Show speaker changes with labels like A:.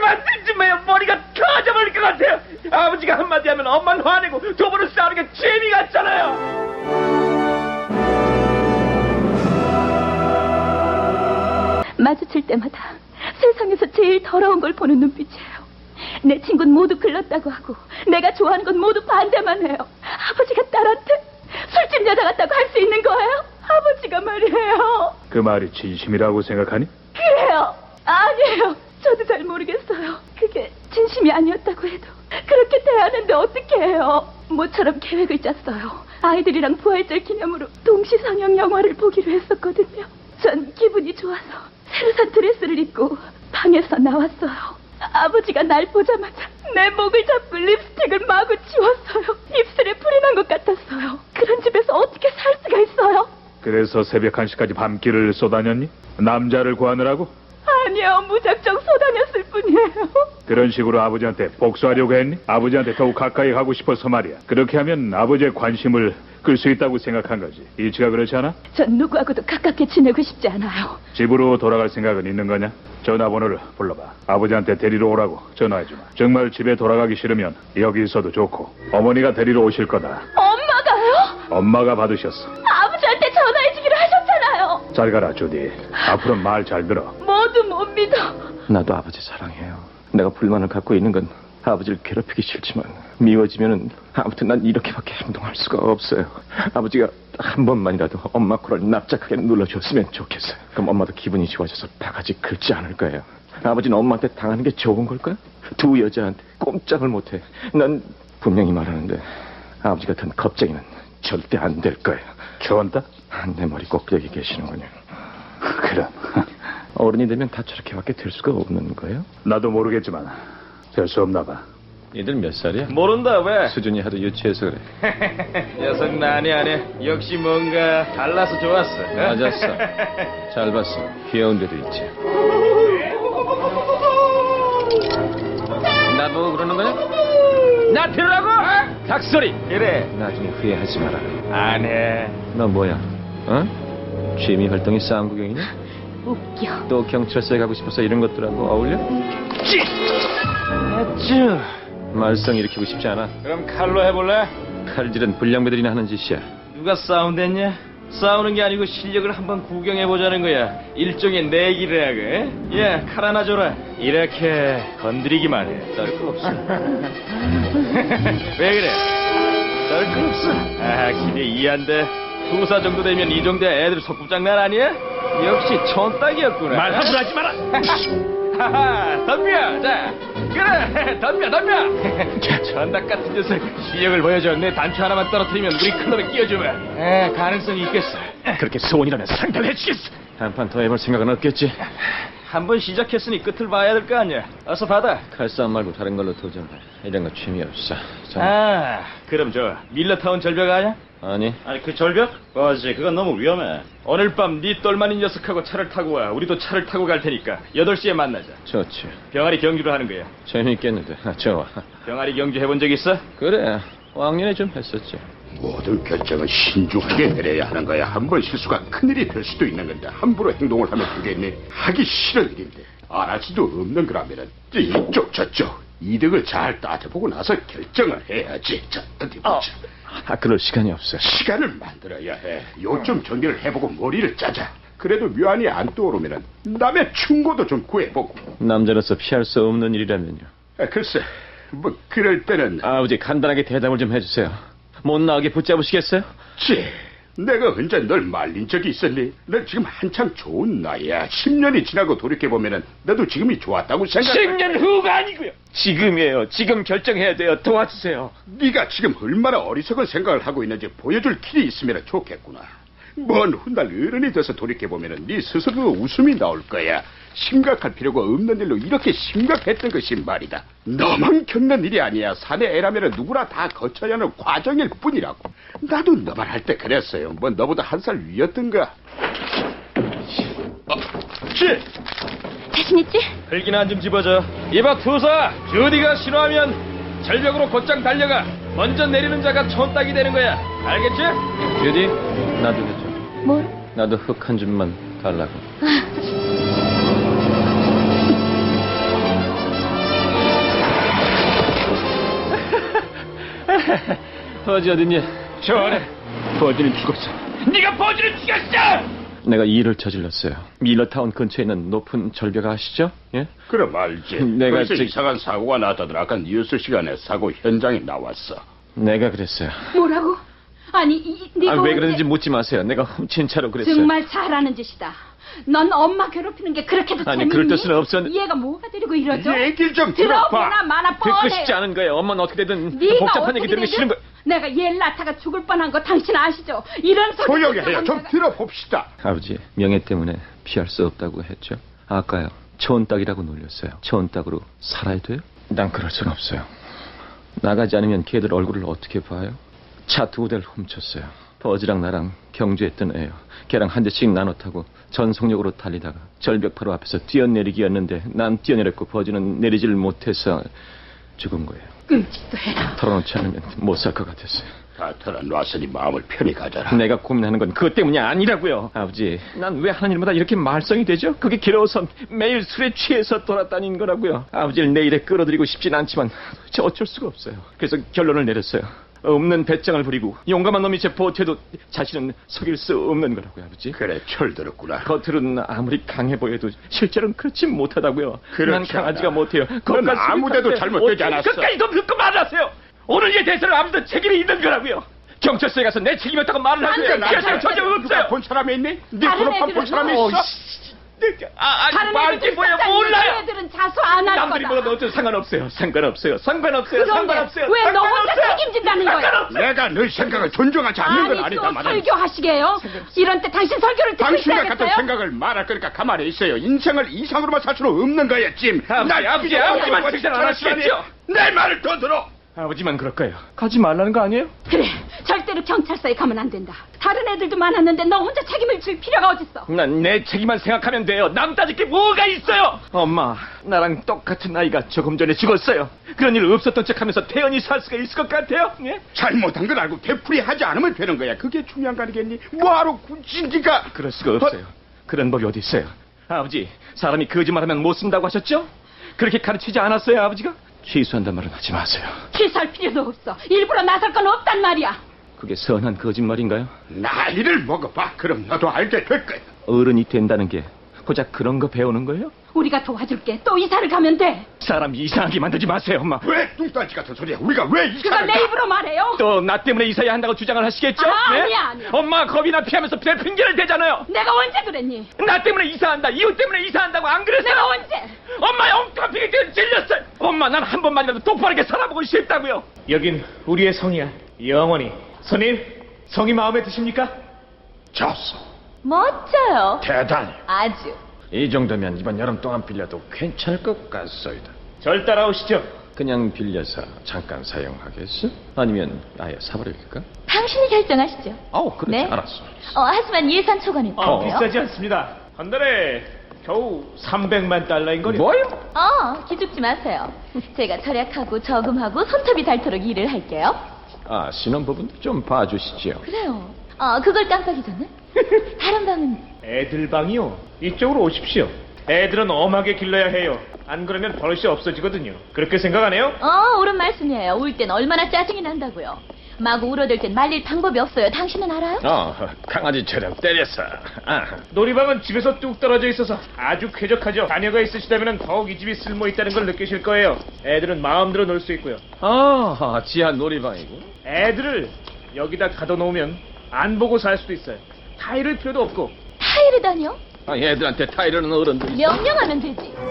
A: 그만 듣지 마요. 머리가 터져버릴 것 같아요. 아버지가 한마디 하면 엄마는 화내고 두 분은 싸우는 게 재미 같잖아요.
B: 마주칠 때마다 세상에서 제일 더러운 걸 보는 눈빛이에요. 내 친구는 모두 글렀다고 하고 내가 좋아하는 건 모두 반대만 해요. 아버지가 딸한테 술집 여자 같다고 할 수 있는 거예요? 아버지가 말이에요.
C: 그 말이 진심이라고 생각하니?
B: 그래요. 아니에요. 저도 잘 모르겠어요. 그게 진심이 아니었다고 해도 그렇게 대하는데 어떻게 해요? 모처럼 계획을 짰어요. 아이들이랑 부활절 기념으로 동시상영 영화를 보기로 했었거든요. 전 기분이 좋아서 새로 산 드레스를 입고 방에서 나왔어요. 아버지가 날 보자마자 내 목을 잡고 립스틱을 마구 지웠어요. 입술에 불이 난 것 같았어요. 그런 집에서 어떻게 살 수가 있어요?
C: 그래서 새벽 1시까지 밤길을 쏘다녔니? 남자를 구하느라고?
B: 아니요, 무작정 쏟아냈을 뿐이에요.
C: 그런 식으로 아버지한테 복수하려고 했니? 아버지한테 더욱 가까이 가고 싶어서 말이야. 그렇게 하면 아버지의 관심을 끌 수 있다고 생각한 거지. 이치가 그렇지 않아?
B: 전 누구하고도 가깝게 지내고 싶지 않아요.
C: 집으로 돌아갈 생각은 있는 거냐? 전화번호를 불러봐. 아버지한테 데리러 오라고 전화해주마. 정말 집에 돌아가기 싫으면 여기 있어도 좋고 어머니가 데리러 오실 거다.
B: 엄마가요?
C: 엄마가 받으셨어.
B: 아버지한테 전화해주기로 하셨잖아요.
C: 잘 가라, 주디. 앞으로 말 잘 들어.
B: 모두 못 믿어.
D: 나도 아버지 사랑해요. 내가 불만을 갖고 있는 건 아버지를 괴롭히기 싫지만 미워지면은 아무튼 난 이렇게밖에 행동할 수가 없어요. 아버지가 한 번만이라도 엄마 코를 납작하게 눌러줬으면 좋겠어요. 그럼 엄마도 기분이 좋아져서 바가지 긁지 않을 거예요. 아버지는 엄마한테 당하는 게 좋은 걸까요? 두 여자한테 꼼짝을 못해. 난 분명히 말하는데 아버지 같은 겁쟁이는 절대 안 될 거예요.
C: 좋은다?
D: 내 머리 꼭 여기 계시는군요.
C: 그럼
D: 어른이 되면 다 저렇게밖에 될 수가 없는 거예요?
C: 나도 모르겠지만 별 수 없나 봐.
D: 얘들 몇 살이야?
A: 모른다 왜?
D: 수준이 하도 유치해서 그래.
A: 녀석 난이 아니야. 역시 뭔가 달라서 좋았어.
D: 맞았어. 잘 봤어. 귀여운 데도 있지. 나보고 그러는 거냐?
A: 나 들으라고?
D: 닭소리!
A: 그래.
D: 나중에 후회하지 마라.
A: 안 해.
D: 너 뭐야? 어? 취미 활동이 싸움 구경이냐?
B: 웃겨.
D: 또 경찰서에 가고 싶어서 이런 것들하고 어울려?
A: 아쭈.
D: 말썽 일으키고 싶지 않아.
A: 그럼 칼로 해볼래?
D: 칼질은 불량배들이나 하는 짓이야.
A: 누가 싸운댔냐? 싸우는 게 아니고 실력을 한번 구경해보자는 거야. 일종의 내기를 하게. 야, 칼 하나 줘라. 이렇게 건드리기만 해. 썰 거 없어. 왜 그래? 썰 거 없어. 아, 기대 이해한데. 투사 정도 되면 이 정도야 애들 속꿉장난 아니야? 역시 촌딱이었구나.
C: 말 함부로 하지 마라.
A: 하하, 덤벼. 자, 그래, 덤벼. 전닭 같은 녀석 실력을 보여줘. 내 단추 하나만 떨어뜨리면 우리 클럽에 끼워주마. 가능성이 있겠어.
D: 그렇게 소원이라면 상대를 해주겠어. 한 판 더 해볼 생각은 없겠지?
A: 한번 시작했으니 끝을 봐야 될 거 아니야. 어서 받아.
D: 칼싸움 말고 다른 걸로 도전해. 이런 거 취미 없어.
A: 그럼 저 밀러타운 절벽 아냐?
D: 아니,
A: 아니 그 절벽? 뭐지, 그건 너무 위험해. 오늘 밤 네 똘마니 녀석하고 차를 타고 와. 우리도 차를 타고 갈 테니까 8시에 만나자.
D: 좋지.
A: 병아리 경주를 하는 거야.
D: 재미있겠는데. 좋아.
A: 병아리 경주 해본 적 있어?
D: 그래, 왕년에 좀 했었지.
E: 모든 결정은 신중하게 내려야 하는 거야. 한 번 실수가 큰일이 될 수도 있는 건데 함부로 행동을 하면 되겠니? 하기 싫은 일인데 안 할 수도 없는 거라면은 이쪽 저쪽 이득을 잘 따져보고 나서 결정을 해야지. 자, 어디 보자.
D: 그럴 시간이 없어.
E: 시간을 만들어야 해. 요점 정리를 해보고 머리를 짜자. 그래도 묘안이 안 떠오르면은 남의 충고도 좀 구해보고.
D: 남자로서 피할 수 없는 일이라면요.
E: 글쎄, 뭐 그럴 때는
D: 아버지, 간단하게 대답을 좀 해주세요. 못 나가게 붙잡으시겠어요?
E: 내가 언제 널 말린 적이 있었니? 너 지금 한참 좋은 나이야. 10년이 지나고 돌이켜보면은 너도 지금이 좋았다고 생각해.
D: 10년 후가 아니고요. 지금이에요. 지금 결정해야 돼요. 도와주세요.
E: 네가 지금 얼마나 어리석은 생각을 하고 있는지 보여줄 길이 있으면 좋겠구나. 먼 훗날 어른이 돼서 돌이켜보면은 네 스스로 웃음이 나올 거야. 심각할 필요가 없는 일로 이렇게 심각했던 것이 말이다. 너만 겪는 일이 아니야. 사내 애라면은 누구나 다 거쳐야 하는 과정일 뿐이라고. 나도 너만 할 때 그랬어요. 뭐 너보다 한 살 위였던가.
B: 자신 있지?
A: 흙이나 좀 집어줘. 이봐 투사, 주디가 신호하면 절벽으로 곧장 달려가. 먼저 내리는 자가 촌딱이 되는 거야. 알겠지?
D: 주디, 나도 해줘.
B: 뭘?
D: 나도 흙 한 줌만 달라고.
A: 버지 어딨냐? 저래. 버지는 죽었어. 네가 버지를 죽였어!
D: 내가 이 일을 저질렀어요. 밀러타운 근처에 있는 높은 절벽 아시죠? 예?
E: 그럼 알지.
D: 내가
E: 거기서
D: 저-
E: 이상한 사고가 났다더라. 아까 뉴스 시간에 사고 현장에 나왔어.
D: 내가 그랬어요.
B: 뭐라고? 아니, 네가
D: 왜
B: 언제-
D: 그러는지 묻지 마세요. 내가 훔친 차로 그랬어요.
B: 정말 잘하는 짓이다. 넌 엄마 괴롭히는 게 그렇게도
D: 아니,
B: 재밌니?
D: 그럴 뜻은 없었는데.
B: 얘가 뭐가 되리고 이러죠?
E: 얘길 좀
B: 들어보나
E: 들어봐.
B: 마나
D: 듣고
B: 뻔해요.
D: 싶지 않은 거예요. 엄마는 어떻게 되든
B: 네가
D: 복잡한 얘기
B: 어떻게
D: 들으면
B: 되든
D: 싫은 거예요.
B: 내가 얘 낳다가 죽을 뻔한 거 당신 아시죠? 이런 소리
E: 조용히
B: 듣고
E: 해요. 좀
B: 내가-
E: 들어봅시다.
D: 아버지, 명예 때문에 피할 수 없다고 했죠. 아까요. 초원딱이라고 놀렸어요. 초원딱으로 살아야 돼요? 난 그럴 순 없어요. 나가지 않으면 걔들 얼굴을 어떻게 봐요? 차 2대를 훔쳤어요. 버즈랑 나랑 경주했던 애요. 걔랑 한 대씩 나눠 타고 전속력으로 달리다가 절벽 바로 앞에서 뛰어내리기였는데 난 뛰어내렸고 버즈는 내리질 못해서 죽은 거예요.
B: 끔찍도 해라.
D: 털어놓지 않으면 못 살 것 같았어요.
E: 다 털어놨으니 마음을 편히 가져라.
D: 내가 고민하는 건 그것 때문이 아니라고요. 아버지, 난 왜 하는 일마다 이렇게 말썽이 되죠? 그게 괴로워서 매일 술에 취해서 돌아다닌 거라고요. 아버지를 내 일에 끌어들이고 싶진 않지만 저 어쩔 수가 없어요. 그래서 결론을 내렸어요. 없는 배짱을 부리고 용감한 놈이 제 보태도 자신은 속일 수 없는 거라고요, 아버지.
E: 그래, 철들었구나.
D: 겉으로는 아무리 강해 보여도 실제로는 그렇지 못하다고요.
E: 그렇지
D: 난 강아지가
E: 않아.
D: 못해요.
E: 넌 아무데도 잘못되지 않았어.
D: 끝까지 좀 듣고 말하세요. 오늘 일에 대해서는 아무도 책임이 있는 거라고요. 경찰서에 가서 내 책임이었다고 말을 하고요. 그래서 전혀
E: 누가
D: 없어요.
E: 본 사람이 있니? 네
B: 다른
E: 그룹판 본
B: 애들은
E: 사람이
B: 뭐-
E: 있어?
D: 아니
B: 다른
D: 말지
B: 애들은
D: 뭐야
B: 그
D: 몰라요.
B: 애들은 자수 안 할
D: 남들이
B: 거다.
D: 뭐라도 어쩌 상관없어요. 상관없어요. 상관없어요.
B: 그런데
D: 상관없어요.
B: 왜 너 혼자
D: 상관없어요.
B: 책임진다는 거야?
D: 상관없어요.
E: 내가 널 생각을 존중하지 않는 건
B: 아니
E: 아니다
B: 또
E: 말이야.
B: 설교하시게요? 이런 때 당신 설교를 듣고
E: 당신과 같은
B: 있어야겠어요?
E: 생각을 말할 거니까 가만히 있어요. 인생을 이상으로만 살 수는 없는 거야, 찜.
D: 아버지만 칭찬 안 하시겠죠?
E: 내 말을 더 들어.
D: 아버지만 그럴 거예요. 가지 말라는 거 아니에요?
B: 그래, 절대로 경찰서에 가면 안 된다. 다른 애들도 많았는데 너 혼자 책임을 질 필요가 어딨어?
D: 난 내 책임만 생각하면 돼요. 남 따질 게 뭐가 있어요? 엄마, 나랑 똑같은 아이가 조금 전에 죽었어요. 그런 일 없었던 척하면서 태연히 살 수가 있을 것 같아요? 예?
E: 잘못한 걸 알고 되풀이하지 않으면 되는 거야. 그게 중요한 거 아니겠니? 뭐하러 굳이 네가
D: 그럴 수가 없어요. 그런 법이 어디 있어요? 아버지, 사람이 거짓말하면 못 쓴다고 하셨죠? 그렇게 가르치지 않았어요, 아버지가? 취소한단 말은 하지 마세요.
B: 취소할 필요도 없어. 일부러 나설 건 없단 말이야.
D: 그게 선한 거짓말인가요?
E: 난리를 먹어봐. 그럼 너도 알게 될 거야.
D: 어른이 된다는 게 고작 그런 거 배우는 거예요?
B: 우리가 도와줄게. 또 이사를 가면 돼.
D: 사람 이상하게 만들지 마세요, 엄마.
E: 왜 뚱딴지 같은 소리야? 우리가 왜
B: 그걸
E: 이사를
B: 내
E: 가?
B: 입으로 말해요.
D: 또 나 때문에 이사해야 한다고 주장을 하시겠죠?
B: 아,
D: 예?
B: 아니야.
D: 엄마 겁이나 피하면서 내 핑계를 대잖아요.
B: 내가 언제 그랬니?
D: 나 때문에 이사한다, 이웃 때문에 이사한다고 안 그랬어요?
B: 내가 언제?
D: 엄마의 엉뚱한 핑계 때문에 질렸어요. 엄마, 난 한 번만이라도 똑바르게 살아보고 싶다고요.
F: 여긴 우리의 성이야. 영원히. 손님, 성이 마음에 드십니까?
E: 졌어.
B: 멋져요.
E: 대단해.
B: 아주.
D: 이 정도면 이번 여름 동안 빌려도 괜찮을 것 같소이다.
F: 절 따라오시죠.
D: 그냥 빌려서 잠깐 사용하겠어? 아니면 아예 사버릴까?
B: 당신이 결정하시죠.
D: 그렇지,
B: 네?
D: 알았어.
B: 하지만 예산 초과는
F: 비싸지 않습니다. 한 달에 겨우 300만 달러인 거요.
D: 뭐요?
B: 기죽지 마세요. 제가 절약하고 저금하고 손톱이 닳도록 일을 할게요.
D: 신혼부부도 좀 봐주시죠.
B: 그래요. 그걸 깜빡 잊었네. 다른 방은
F: 애들 방이요. 이쪽으로 오십시오. 애들은 엄하게 길러야 해요. 안 그러면 버릇이 없어지거든요. 그렇게 생각 안 해요?
B: 옳은 말씀이에요. 울 땐 얼마나 짜증이 난다고요. 마구 울어댈 땐 말릴 방법이 없어요. 당신은 알아요?
D: 강아지처럼 때렸어.
F: 놀이방은 집에서 뚝 떨어져 있어서 아주 쾌적하죠. 자녀가 있으시다면 더욱 이 집이 쓸모 있다는 걸 느끼실 거예요. 애들은 마음대로 놀 수 있고요.
D: 지하 놀이방이고.
F: 애들을 여기다 가둬놓으면 안 보고 살 수도 있어요. 타이를 필요도 없고.
B: 타이르다뇨?
D: 얘들한테 타이르는 어른도 있어.
B: 명령하면 되지.